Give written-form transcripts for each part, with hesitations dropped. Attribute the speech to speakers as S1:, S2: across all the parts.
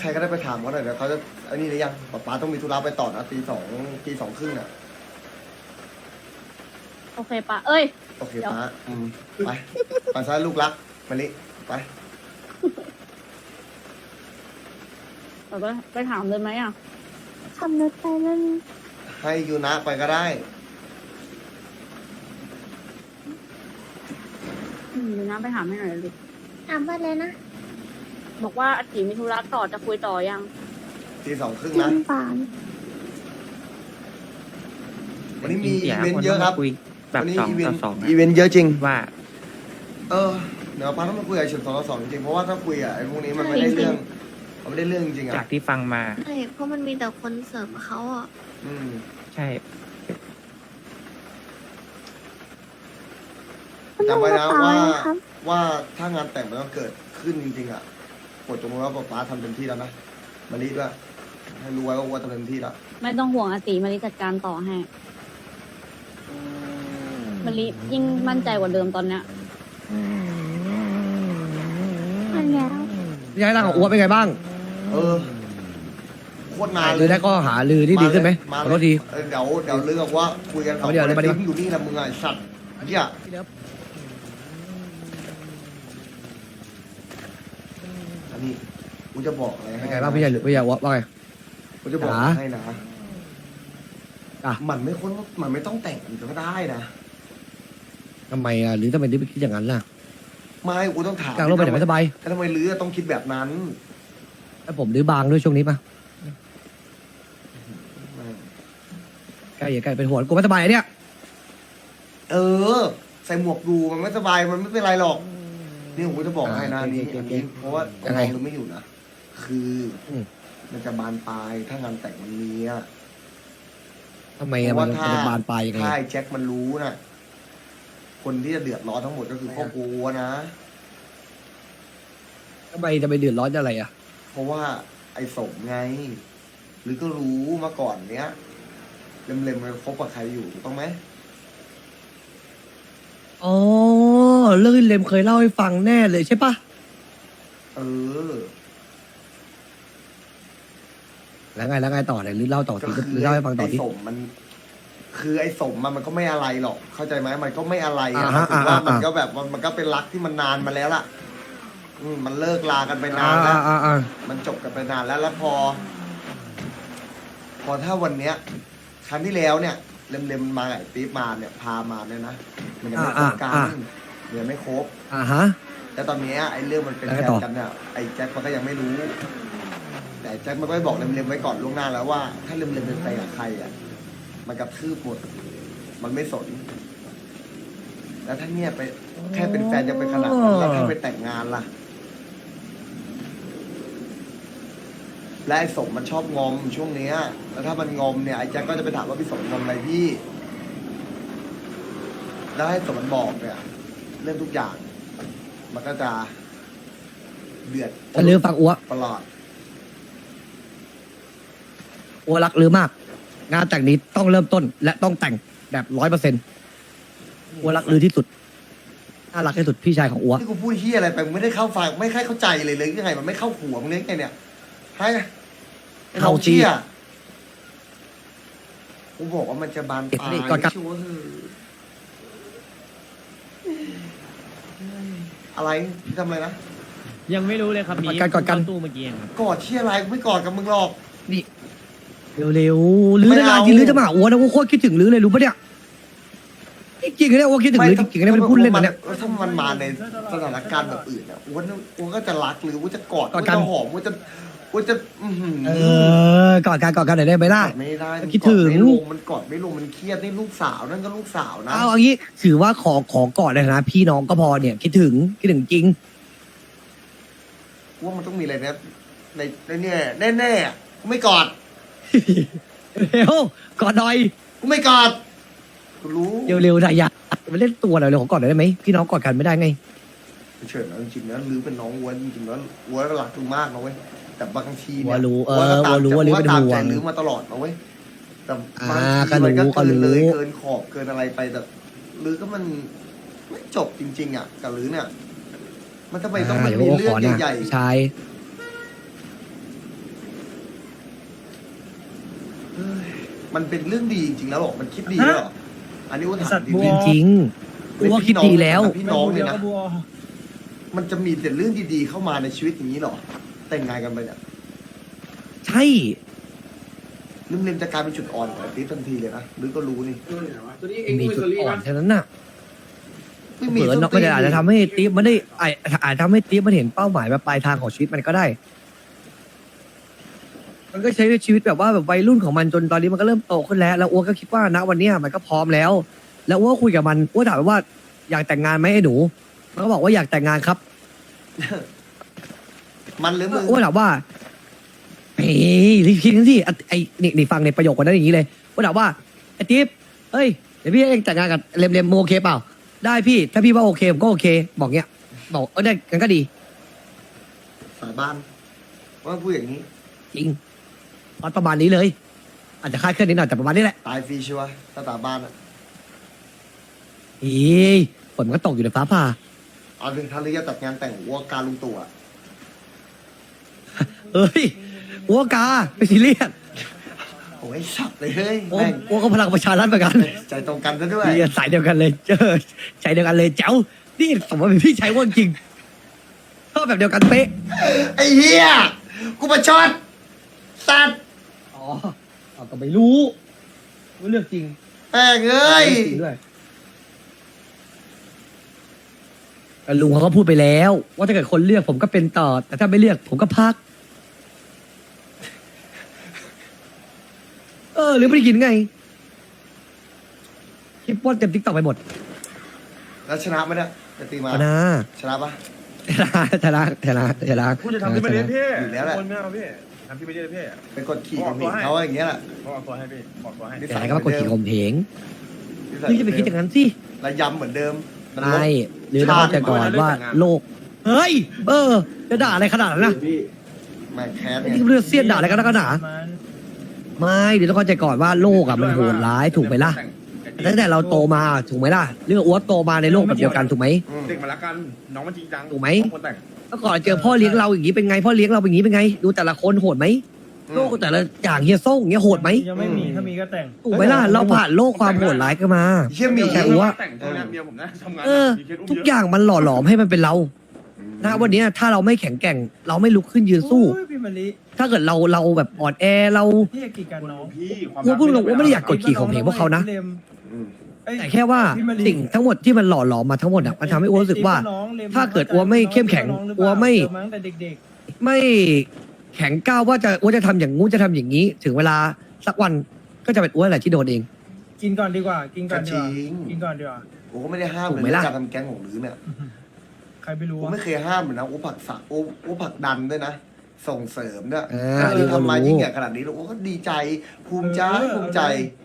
S1: ใครก็ได้ไปถามเขาหน่อยเดี๋ยวเขาจะอันนี้หรือยังป๊าต้องมีธุระไปต่อนะตีสองครึ่งน่ะ
S2: โอเคปะเอ้ย
S1: โอเคป๊าไปไปซะลูกรักมาลิไป
S2: เราไปถามเลยไหมอ่ะ
S3: ขับรถไปนั่น
S1: ให้ยูนะไปก็ได้
S2: เดี๋ยวน้ำไปถามให้หน่อยเลย
S3: ถามว่าเลยนะ
S2: บอกว่าอาทิมีธุระต่อจะคุยต่อยัง
S1: ตีสองครึ่ง
S3: จริ
S1: นะ
S3: งป่าน
S1: วันนี้มีอีเวนต์เยอะครับ
S4: คุยแบบ
S1: วันนี้
S4: สอง
S1: อีเวน
S4: ต่อ
S1: ต์
S4: สอง
S1: อีเวนต์เยอะจริง
S4: ว่า
S1: เดี๋ยวป้าต้องมาคุยกับเฉิน2 ต่อ 2จริงเพราะว่าถ้าคุยอ่ะไอ้พวกนี้มันไม่ได้เรื่องมันไม่ได้เรื่องจริง
S4: จาก
S1: อ่ะ
S4: ที่ฟังมา
S3: ใช่เพราะมันมีแต่คนเสริมเขาอ่ะ
S1: อืม
S4: ใช่
S1: จำไว้นะ
S3: กรเป๋
S1: ว่า
S3: อะไรครับ
S1: ว่าถ้างานแต่งมันต้องเกิดขึ้นจริงๆอ่ะกดตรงว่าป้าทำเต็มที่แล้วนะมารีด้วยให้รู้ไว้ว่าทำเต็มที่แล้ว
S2: ไม่ต้องห่วงอาติมาริจัดการต่อให้มาริยิ่งมั่นใจกว่าเดิมตอนเนี้ย
S3: มันแล้ว
S5: ย้ายร่างของอ้วนเป็นไงบ้าง
S1: โคตรนาน
S5: หรือได้ก็หาลือที่ดีขึ้นไหมขอโทษที
S1: เดี๋ยวเรื่องว่าคุยกัน
S5: เอาเดี๋ยวเลยมาดิ
S1: อยู่นี่แหละมึงไงสัตว์เนี่ยอันนี้กูจะบอกอะไร
S5: เป็น
S1: ให้
S5: ไงบ้างพี่ใหญ่หรือพี่ใหญ่ว่าไง
S1: กูจะบอก
S5: จ๋า
S1: ให้นะ
S5: อ่ะ
S1: มันไม่ต้องแต่งกันก็ได้นะ
S5: ทำไมอ่ะหรือทำไมถึงไปคิดอย่างนั้นล่ะ
S1: ไม่กูต้องถาม
S5: กลางโลกไปไหนไม่สบาย
S1: แล้วทำไมลือต้องคิดแบบนั้น
S5: แล้วผมดื้อบางด้วยช่วงนี้ปะใกล้อย่าใกล้เป็นหัวกูไม่สบายอ่ะเนี่ย
S1: เออ ใส่หมวกดูมันไม่สบายมันไม่เป็นไรหรอกนี่ผมจะบอกให้นะนี่อันนี้เพราะว่ายังไงลือไม่อยู่นะคือมันจะบานปลายถ้างานแต่งมันมีอะ
S5: ทำไมอ่ะมันจะบานปลายยังไง
S1: ถ้าไอ้แจ็คมันรู้นะคนที่จะเดือดร้อนทั้งหมดก็คือครอบครัวนะ
S5: ทำไมจะไปเดือดร้อนอะไรอ่ะ
S1: เพราะว่าไอ้สมไง หรือก็รู้มาก่อนเนี้ยเล็มๆมันคบกับใครอยู่ถูกต้องไหม
S5: อ๋อเรื่องเลมเคยเล่าให้ฟังแน่เลยใช่ปะ
S1: เออ
S5: แล้วไงต่อเนี่ยหรือเล่าต่อ
S1: ก็
S5: ที
S1: คือ
S5: หรือเล่าให้ฟังต่อ
S1: ไอ้
S5: ที
S1: สมมัน คือไอ้สมมันก็ไม่อะไรหรอก เข้าใจไหมมันก็ไม่อะไรอะ
S5: อ่าฮะ
S1: ถือว่า
S5: อ่า
S1: มันก็แบบมันก็เป็นรักที่มันนานมาแล้วล่ะ มันเลิกลากันไปนานแล้ว มันจบกันไปนานแล้วพอถ้าวันเนี้ยครั้งที่แล้วเนี่ยเล็มๆมาไอ้ปี๊บมาเนี่ยพามาเนี่ยนะมันยังไม่คบกันมันยังไม่คบ
S5: ฮะ
S1: แต่ตอนเนี้ยไอ้เรื่องมันเป็น
S5: แล้ว
S1: แฟ
S5: ไง
S1: น
S5: ต่อ
S1: กันเนี่ยไอ้แจ็คมันก็ยังไม่รู้ แต่แจ็คมันก็บอกเล็มๆไว้ก่อนล่วงหน้าแล้วว่า ถ้าเล็มๆเป็นแฟนกับใครอ่ะมันกระทืบหมด มันไม่สน แล้วถ้าเนี่ยไปแค่เป็นแฟนจะไปขนาดนั้นแล้วถ้าไปแต่งงานล่ะ และไอ้สมมันชอบงอมช่วงเนี้ย แล้วถ้ามันงอมเนี่ยไอ้แจ็คก็จะไปถามว่าพี่สมงอมอะไรพี่ แล้วให้สมมันบอกเนี่ย เรื่องทุกอย่าง มันก็จะเดือด
S5: จะลือฟังอ้ว
S1: ตลอด
S5: อ้วรักลือมาก งานแต่งนี้ต้องเริ่มต้น และต้องแต่งแบบ100%อ้วรักลือที่สุดน่ารักที่สุดพี่ชายของอ้ว
S1: ที่กูพูดเฮียอะไรไปมึงไม่ได้เข้าฟังไม่ค่อยเข้าใจเลยยังไงมันไม่เข้าหัวมึงเลยไงเนี่ยให้ไอ้น้องเชี่ยกูบอกว่ามันจะบานปลาย
S5: ก่อนครับ
S1: ชัวร์อะไรพี่ทำอะไรนะ
S6: ยังไม่รู้เลยครับมี
S5: กอดกัน
S6: เข้าตู้เมื่อกี้เองครับ
S1: กอดเชี่ยอะไรกูไม่กอดกับมึงหรอก
S5: นี่เร็วๆลือ
S1: ไม่
S5: นาน
S1: เอา
S5: ๆทีลือจะมาหาอ้วนะอ้วโคตรคิดถึงลือเลยรู้ปะเนี่ยจริงๆเนี่ยอ้วคิดถึงลือจริงๆเนี่ยเป็นพูดเล่นนะเนี่ย
S1: ถ้ามันมาในสถานการณ์แบบอื่นอ่ะอ้วนก็จะรักหรือว่าจะกอด
S5: กอ
S1: ว่า
S5: ดกัน
S1: จะหอมว่าจะอื้อหือ
S5: กอดกันหน่อยได้ไหมล่ะ
S1: กอดไม่ได้
S5: คิดถึง
S1: มันกอดไม่ลงมันเครียดนี่ลูกสาวนั่นก็ลูกสาวนะ
S5: เอาอย่างนี้ถือว่าขอกอดเลยนะพี่น้องก็พอเนี่ยคิดถึงจริง
S1: ว่ามันต้องมีอะไรนะในเนี่ยแน่ๆกูไม่กอด
S5: เร็วกอดหน่อย
S1: กูไม่กอดกูรู้
S5: เร็วๆนะอย่าไปเล่นตัวหน่อยเลยขอกอดหน่อยได้ไหมพี่น้องกอดกันไม่ได้ไง
S1: เฉยๆนะจริงๆนะลือเป็นน้องวัวจริงๆแล้ววัวก็รักลือมากนะเว้ยแต่บางที
S5: วั
S1: เนี่
S5: วย รู้
S1: ก็ตาม
S5: วัวรู้ว่าลือเป็น
S1: ตาม
S5: ห่ว
S1: ใจ
S5: ง
S1: ลือมาตลอดนะเว้ยแต่บาง
S5: ก็
S1: ที
S5: รู้
S1: มันก็
S5: ก็
S1: เกิน
S5: รู้
S1: เลยเกินขอบเกินอะไรไปแต่ลือก็มันไม่จบจริงๆอ่ะกับลือเนี่ย มันทำไมต้องมัน
S5: เดี๋ยว
S1: มี
S5: อ้ว
S1: เรื่
S5: ข
S1: อง
S5: อนะ
S1: ใหญ่
S5: ชาย
S1: มันเป็นเรื่องดีจริงๆแล้วหรอมันคิดดีแล้วหรออันนี้อ้วนถามจริง
S5: จริงๆกูว่าคิดดีแล้ว
S1: พี่น้องเนี่ยนะมันจะมีแต่เรื่องดีๆเข้ามาในชีวิตอย่างนี้หรอแต่งงานกันไปเนี่ย
S5: ใช่
S1: ลืมจะกลายเป็นจุดอ่อนของติ๊บทันทีเลยนะหรือก็รู้นี่
S5: มีจุดอ่อนแค่นั้นน่ะ
S1: ไม่
S5: เผ
S1: มี
S5: ลอเนาะมันอาจจะทำให้ติ๊บมันได้อาจทำให้ติ๊บมันเห็นเป้าหมายแบบปลายทางของชีวิตมันก็ได้ มันก็ใช้ชีวิตแบบว่าแบบวัยรุ่นของมันจนตอนนี้มันก็เริ่มโตขึ้นแล้วแล้วอ้วก็คิดว่าณวันเนี้ยมันก็พร้อมแล้ว แล้วอ้วคุยกับมันอ้วถามมันว่าอยากแต่งงานไหมไอ้หนูมันก็บอกว่าอยากแต่งงานครับ
S1: มันหรือมึง
S5: อ้วถามว่าเฮ้ยรีบคิดกันสิไอ้นี่ฟังในประโยคคนนั้นอย่างนี้เลยอ้วถามว่าไอ้ติ๊บเฮ้ยเดี๋ยวพี่เองแต่งงานกับเลมมึงโอเคเปล่าได้พี่ถ้าพี่ว่าโอเคผมก็โอเค บอกเงี้ยบอกได้กันก็ดี
S1: สาบานว่าพูดอย่างนี้
S5: จริงประมาณนี้เลย อาจจะคลาดเคลื่อนนิดหน่อยแต่ประมาณนี้แหละ
S1: ตายฟรีชัวร์ถ้าสาบานอะ
S5: เฮ้ยฝนมันก็ตกอยู่ในฟ้าผ่า
S1: เอาถึงทะเลจะจัดงานแต่งวัวการลุงตู่อะ
S5: เอ้ยวัวกาไม่ซีเรียส
S1: โอ้ยสับเลยเฮ้ย
S5: โอ้
S1: แม่ง
S5: วัวก็พลังประชารัฐเหมือนกัน
S1: ใจตรงกันซะด้วย
S5: เรียนสายเดียวกันเลยเจอใจเดียวกันเลยเจ้านี่สมมติเป็นพี่ชายวัวจริงชอบแบบเดียวกันเป๊ะ
S1: ไอ้เหี้ยกูมาช็อตสัตว์
S5: อ๋อเอาก็ไม่รู้เลือกจริง
S1: แม่งเอ้ย
S5: เลือกจริงด้วยแต่ลุงเขาก็พูดไปแล้ว ว่าถ้าเกิดคนเลือกผมก็เป็นต่อ แต่ถ้าไม่เลือกผมก็พัก หรือไม่ได้กินไงคลิปว่าเต็มทิกตอกไปหมด
S1: แล้วชนะไหมเนี่ยจะตีมา
S5: เอานะ
S1: ชนะปะ
S5: ชนะ
S4: พูดจะทำที่ไม่ได้พี่
S1: อยู่แล้วแหละ
S4: คนไม่เอาพี่ทำที่ไม่ได้พี่
S1: เป็นกดขี่ของหมิงเขาอย่างเงี้ยแหละ
S4: บอกตัวให้พี่บอกตัวให้
S1: นิ
S5: แต่
S1: สัย
S5: ก็มากดขี่ข่มเหง
S1: นิสัย
S5: นี่จะไปคิดอย่างนั้นสิ
S1: ระยำเหมือนเดิมมันลด
S5: ใช่หรือเราเข้าใจก่อนว่าโลก เฮ้ย จะด่าอะไรขนาดนั้นนะ
S1: แม่งแค้น
S5: ไอ้
S1: ไง
S5: ที่เรื่องเสี้ยนด่าอะไรกันนักกันหนาไม่เดี๋ยวต้องเข้าใจก่อนว่าโลกอ่ะมันโหดร้ายถูกไหมล่ะตั้งแต่เราโตมาถูกไหมล่ะเรื่องอ้วโตมาในโลกแบบเดียวกันถูกไหม
S1: อืม
S4: เด็กมาละกันน้องมันจริงจัง
S5: ถูกไหม
S4: คนแต่ง
S5: เมื่อก่อนเจอพ่อเลี้ยงเราอย่างนี้เป็นไงพ่อเลี้ยงเราเป็นอย่างนี้เป็นไง ดูแต่ละคนโหดไหมโลกแต่ละอย่างเฮียส่งเฮียโหดไหม
S6: ยังไม่มีถ้ามีก็แต่ง
S5: ถูกไหมล่ะเราผ่านโลกความโหดร้ายกันมา
S1: เชี่ยหมี
S5: แต่ว่า
S4: แต่งตัวเนี่ยเมียผมนะทำงาน มีเคสอุ้ม
S5: ทุก
S4: เยอะ
S5: อย่างมันหล่อหลอมให้มันเป็นเรานะวันนี้ถ้าเราไม่แข็งแกร่ง เราไม่ลุกขึ้นยืนสู้
S6: โอ้ยพี่มะลิ
S5: ถ้าเกิดเราแบบอ่อนแอเรา
S6: พี่อยากกีดกันน้อง
S4: พี่ความ
S5: กูพูดตรงๆว่าไม่ได้อยากกดขี่ข่มเหงพวกเขานะ
S1: อืม
S5: แต่แค่ว่าสิ่งทั้งหมดที่มันหล่อหลอมมาทั้งหมดอะมันทำให้อ้วนรู้สึกว่า ถ้าเกิดอ้วนไม่เข้มแข็งอ้วนไม่
S6: เจอมาตั้งแต่เด็ก
S5: ไม่แข็งก้าวว่าอ้วนจะทำอย่างงู้นจะทำอย่างนี้ ถึงเวลาสักวันก็จะเป็นอ้วนแหละที่โดนเอง
S6: ๆ กินก่อนดีกว่า กินก่อนดีกว่า
S1: จริง
S6: กินก่อนดีกว่า
S1: โอ้ก็ไม่ได้ห้าม
S5: ถู
S1: เล
S5: กไหม
S1: ย
S5: ล่ะ
S1: การทำแก๊งของหรือเนี่ย
S6: ใครไม่รู้
S1: ผม
S6: วะ
S1: ไม่เคยห้ามเลยนะโอ้ผลักสักโอ้ผลักดันด้วยนะ ส่งเสริมด้วย
S5: อ่า
S1: คือทำมา
S5: รู้
S1: ยิ่งใหญ่ขนาดนี้แล้วโอ้ก็ดีใจภูมิใจภูมิใจ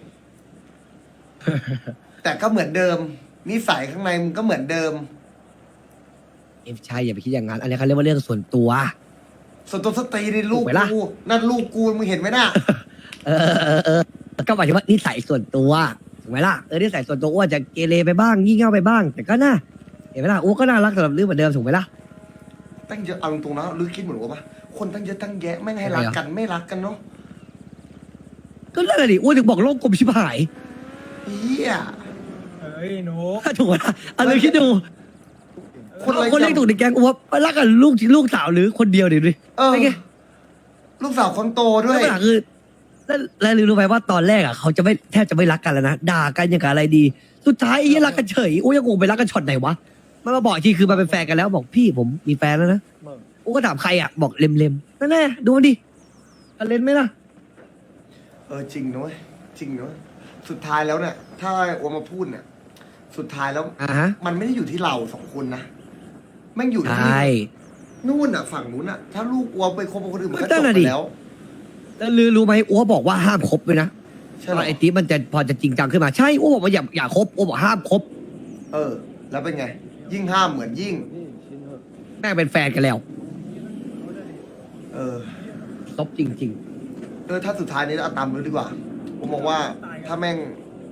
S1: แต่ก็เหมือนเดิมนิสัยข้างในมันก็เหมือนเดิม
S5: ใช่อย่าไปคิดอย่างนั้นอันนี้เขาเรียกว่าเรื่องส่วนตัว
S1: ส่วนตัวสตรีในลูก
S5: ถูกไหมล่ะ
S1: กูนั่นลูกกูมึงเห็นไหมน่ะ
S5: ก็หมายถึงว่านิสัยส่วนตัวถูกไหมล่ะนิสัยส่วนตัวอ้วนจะเกเรไปบ้างงี่เง่าไปบ้าง แต่ก็น่าเห็นไหมล่ะอ้วนก็น่ารักสำหรับลือเหมือนเดิมถูกไหมล่ะ
S1: ตั้งเยอะเอาตรงๆนะลือคิดเหมือนว่าปะคนตั้งเยอะตั้งแยะไม่ให้รักกันไม่รักกันเนาะ
S5: ก็นั่นแหละดิอ้วนถึงบอกโลกกลมชิบหาย
S1: เฮีย
S6: เฮ้ยหนู
S5: ถูกไหมล่ะอันนี้คิดดู
S1: คนอะไร
S5: คนเรียกถูกในแก๊งอ้วนไปรักกันลูกสาวหรือคนเดียวดิดูดิ
S1: เออ
S5: ไอ้ไง
S1: ลูกสาวคนโตด้วย
S5: แล้วปัญหาคือแล้วรู้ไหมว่าตอนแรกอ่ะเขาจะไม่แทบจะไม่รักกันแล้วนะด่ากันอย่างกับอะไรดี สุดท้ายไอ้เหี้ยรักกันเฉยโอ้ยยังงงไปรักกันช็อตไหนวะมันมาบอกอีกทีคือมาเป็นแฟนกันแล้วบอกพี่ผมมีแฟนแล้วนะโอ้ก็ถามใครอ่ะบอกเล็มนั่นแน่ดูมันดิกันเล่นไหมล่ะ
S1: เออจริงนะเว้ยจริงนะเว้ยสุดท้ายแล้วเนี่ย ถ้าโอมาพูดเนี่ย สุดท้ายแล้ว
S5: ฮะ
S1: มันไม่ได้อยู่ที่เราสองคนนะแม่งอยู่
S5: ใช
S1: ที่
S5: ่
S1: นู่นอ่ะ ฝั่งนู้นอ่ะ ถ้าลูกอัวไปคบกับคนอื่นมันก็
S5: นั่
S1: จบ
S5: นน่ะ
S1: ไป
S5: ดิ
S1: แล้ว
S5: แล้วรู้ไหมอ้วบอกว่าห้ามคบเลยนะ
S1: ใช่ไหม
S5: ไอ้ติ๊บมันจะพอจะจริงจังขึ้นมาใช่อ้วบอกว่าอย่าคบอ้วบอกห้ามคบ
S1: เออ แล้วเป็นไง ยิ่งห้ามเหมือนยิ่ง
S5: แม่งเป็นแฟนกันแล้ว
S1: เออ
S5: ซบจริง
S1: ถ้าสุดท้ายนี้เอาตามนู้นดีกว่า ผมมองว่าถ้าแม่ง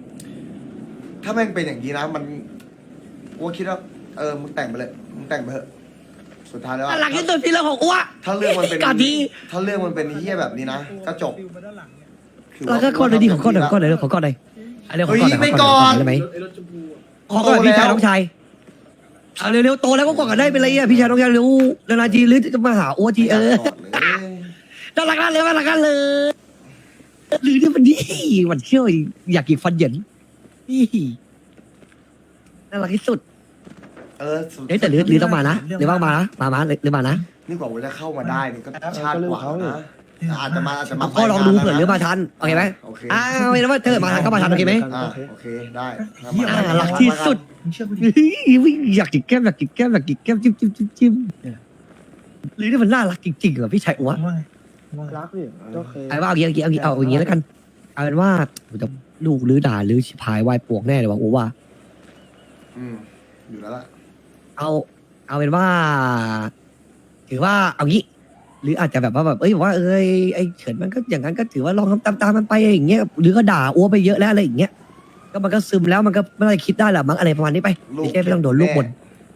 S1: เป็นอย่างนี้นะมันอ้วคิดว่ามึงแต่งไปเลยมึงแต่งไปเถอะสุดท้ายแล้ว
S5: ๆ
S1: อะ
S5: หลักที่สุดที่เรื่องของอ้ว
S1: ถ้าเรื่องมันเป็น
S5: ก่อนที่
S1: ถ้าเรื่องมันเป็นเฮี้ยแบบนี้นะก็จบ
S6: ฟิวมาด้านหลังเนี่ย
S5: แล้วก็ข้อเลยดีของข้อหน่อยข้อหน่อยขอข้อหน่อยอันนี้ขอข้อหน่อย
S1: ไม่
S5: ขอข้อหน่อย
S1: ก่อน
S5: ได้ไหม
S4: ไอ้รถชมพูอะ
S5: ขอข้อหน่อยพี่ชายน้องชายเอาเร็วๆโตแล้วก็กอดกันได้เป็นไรอ่ะพี่ชายน้องชายเร็วนานๆทีหรือจะมาหาอ้วที
S1: ก่อนเลย
S5: น่ารักกันเลยน่ารักกันเลยหรือเนี่ยมันนี่มันเชี่ยวอยากกินฟันเหยินนี่น่ารักที่สุด เอ้ยแต่หรือต้องมานะหรือว่ามานะมาหรือมานะ
S1: นี่กว่าจะเข้ามาได้นี่ก็ชาติกว่านะอาจจะมา
S5: ก็ลองดูเผื่อหรือมาทันโอเคไหม
S1: โอเค
S5: อ้าวไม่นะว่าเธอมาทันก็มาทันโอเคไหม
S1: โอเคได้
S5: น่ารักที่สุด
S6: มึงเชื่อกูดิ
S5: อยากกินแก้มอยากกินแก้มอยากกินแก้มจิ้มหรือนี่มันน่ารักจริงๆเหรอพี่ชายอ้ว
S6: มึงว่าไงมึงว่าไง
S7: รักดิก็เคย
S5: ไอ้ว่าเอาอย่างนี้เอาอย่างนี้แล้วกันเอาเป็นว่าผมจะลูกหรือด่าหรือชิพายวายปวกแน่เลยว่าโอ้ว่า
S1: อยู่แล้วล่ะ
S5: เอาเป็นว่า ถือว่าเอางี้ หรืออาจจะแบบว่าแบบบอกว่าไอ้เฉินมันก็อย่างนั้นก็ถือว่าลองทำตามมันไปอย่างเงี้ยหรือก็ด่าอ้วไปเยอะแล้วอะไรอย่างเงี้ยก็มันก็ซึมแล้วมันก็ไม่ได้คิดได้หรอกมั้งอะไรประมาณนี้ไปไม่ใช่ไม่ต้องโดนลูกบ่น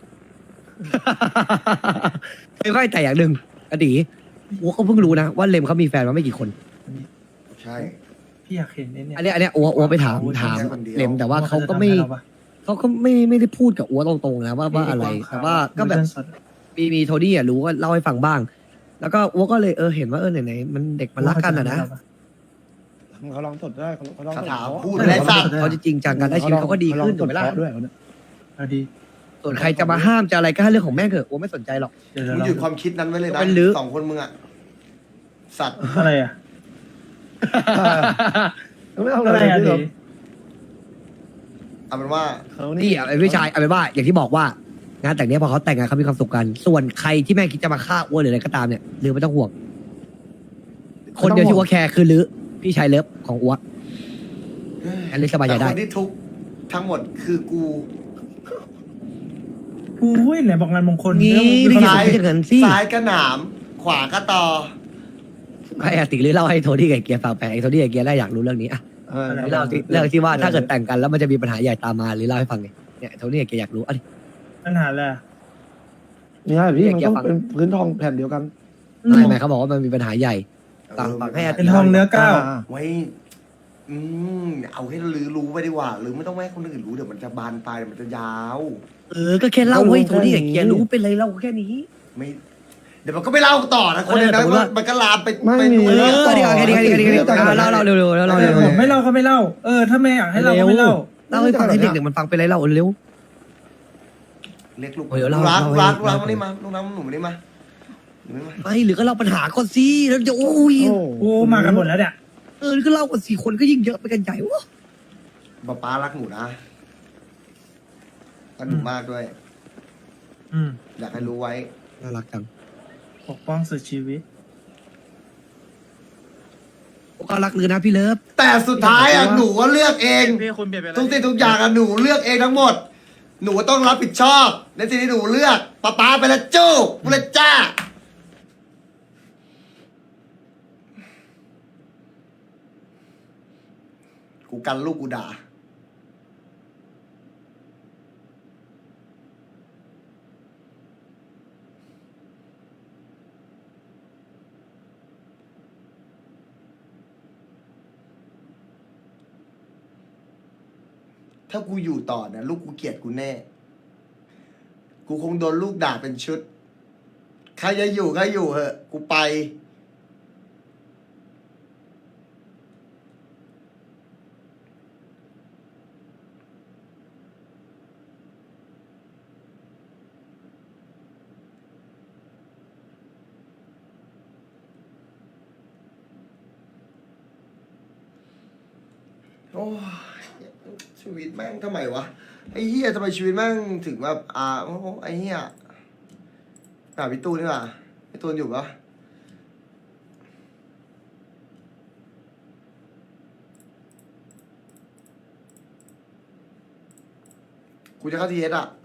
S5: ไม่ค่อยแต่อย่างหนึ่งอดีอ้วก็เพิ่งรู้นะว่าเลมเขามีแฟนมาไม่กี่คน
S1: ใช่
S6: พี่อยากเห็นเนี่ย
S5: อันเนี้ยอ้วไปถามเลมแต่ว่าเขาก็ไม่ได้พูดกับอ้วตรงๆนะว่าอะไรแต่ว่าก็แบบ มีโทนี่อ่ะรู้ก็เล่าให้ฟังบ้าง แล้วก็อ้วก็เลยเห็นว่าไหนมันเด็กมันรักกันอ่ะนะ
S7: เขาลองสดได้เขาลอง
S1: คาถา
S7: พู
S1: พู
S7: ด
S1: ดและสัตว์
S5: เขาจะจริงจังกันได้ชีวิตเขาก็ดีขึ้นถูกไหมล่ะ
S7: ด้วยเขาเนี่ย
S6: เอาดี
S5: ส่วนใครจะมาห้ามจะอะไรก็ให้เรื่องของแม่งเถอะอ้วไม่สนใจหรอก
S6: เดี๋ยว
S1: มึง
S6: เรา
S1: หยุดความคิดนั้นไว้เลยนะ
S5: เป็นลื้อ
S1: 2 คนมึงอ่ะสัตว์
S6: อะไรอ่ะ
S7: ไม่เอา
S6: อะไร
S7: เลย
S6: อ่ะ
S7: ที่
S6: ดี
S7: เรา
S1: เอาเป็นว่า
S7: เขา
S5: นี่อ่ะพี่ชายเอาเป็นว่าอย่างที่บอกว่างานแต่งเนี้ยพอเขาแต่งงานเขามีความสุขกัน ส่วนใครที่แม่งคิดจะมาฆ่าอ้วหรืออะไรก็ตามเนี่ยลือไม่ต้องห่วง คนเดียวที่อ้วแคร์คือลือพี่ชายเลิฟของอ้วอันนี้สบายใจ
S1: แต่
S5: ได้
S1: คนที่ทุกข์ทั้งหมดคือกู
S6: อุ้ยไหนบอกงานมงคล
S5: นี่
S6: เรื่อง
S5: พี่
S6: มึง
S5: ชายจะเงินสิ
S1: ซ้ายก็หนาม ขวาก็ต่อ
S5: ให้อาติหรือเล่าให้โทนี่กับเกียร์ฟังไปไอ้โทนี่กับเกียร์ได้อยากรู้เรื่องนี้อ่ะ เล่าที่เรื่องที่ว่าถ้าเกิดแต่งกันแล้วมันจะมีปัญหาใหญ่ตามมาหรือเล่าให้ฟังไงเนี่ยโทนี่กับเกียร์อยากรู้อ่ะดิ
S6: ปัญหาอะไรอะ
S7: เนี่ยพี่มันต้องเป็นพื้นทองแผ่นเดียวกัน
S5: ไม่เขาบอกว่ามันมีปัญหาใหญ่ฟังให้อา
S6: เป็
S5: ติ
S6: นทองเนื้อเก้า
S1: ไว้ เอาให้ลือรู้ไปดีกว่าหรือไม่ต้องให้คนอื่นรู้เดี๋ยวมันจะบานปลายเดี๋ยวมันจะยาว
S5: ก็แค่เล่าให้โทนี่กับเกียร์รู้เป็นไรเล่าแค่นี้
S1: ไม่ เดี๋ยวมันก็ไม่เล่าต่อนะคนเดียวนะมันก็ลามไป
S7: ไม่
S1: ไป
S7: มี
S1: นู่น
S5: เอ
S1: เลย
S5: อดีกว่าแค่นี้เล่าเร็วๆแล้วเล่าเร็ว
S6: ผมไม่เล่าก็ไม่เล่า ถ้าไม่อยากให้เล่าก็ไม่เล่า
S5: เล่าให้ฟังให้เด็กๆมันฟังเป็นไรเล่าเร็ว
S1: เรียกลูก
S5: เดี๋ยวเล่า
S1: รัก
S5: เล่า
S1: รัก
S5: ให้
S1: มานี่มาลูกน้ำหนูมานี่มาหนูมา
S5: ไม่หรือก็เล่าปัญหาก่อนสิแล้วจะโอ้ย
S6: โอ้มากันหมดแล้วเนี่ย
S5: ก็เล่ากัน4 คนก็ยิ่งเยอะไปกันใหญ่วะ
S1: ป้ารักหนูนะรักหนูมากด้วย
S6: อืม
S1: อยากให้รู้ไว้
S5: น่ารักจัง
S6: ปกป้องสุดชีวิต
S5: ก็รักเลยนะพี่เลิฟ
S1: แต่สุดท้ายอ่ะหนูก็เลือกเอง
S4: พี่คุณเปลี่ยนไปแล้ว
S1: ทุกสิ่งทุกอย่างอ่ะหนูเลือกเองทั้งหมด หนูต้องรับผิดชอบในสิ่งที่หนูเลือกป้าไปแล้วจู้กูเลยจ้ากูกันลูกกูด่าถ้ากูอยู่ต่อนะลูกกูเกลียดกูแน่ กูคงโดนลูกด่าเป็นชุด ใครจะอยู่ก็อยู่เหอะ กูไป โอ้ยชีวิตแม่งทำไมวะ ไอ้เหี้ยทำไมชีวิตแม่งถึงแบบโอ้โหไอ้เหี้ยพี่ตูนนี่หว่าพี่ตูนอยู่ปะกูจะเข้าทีเอสอ่ะ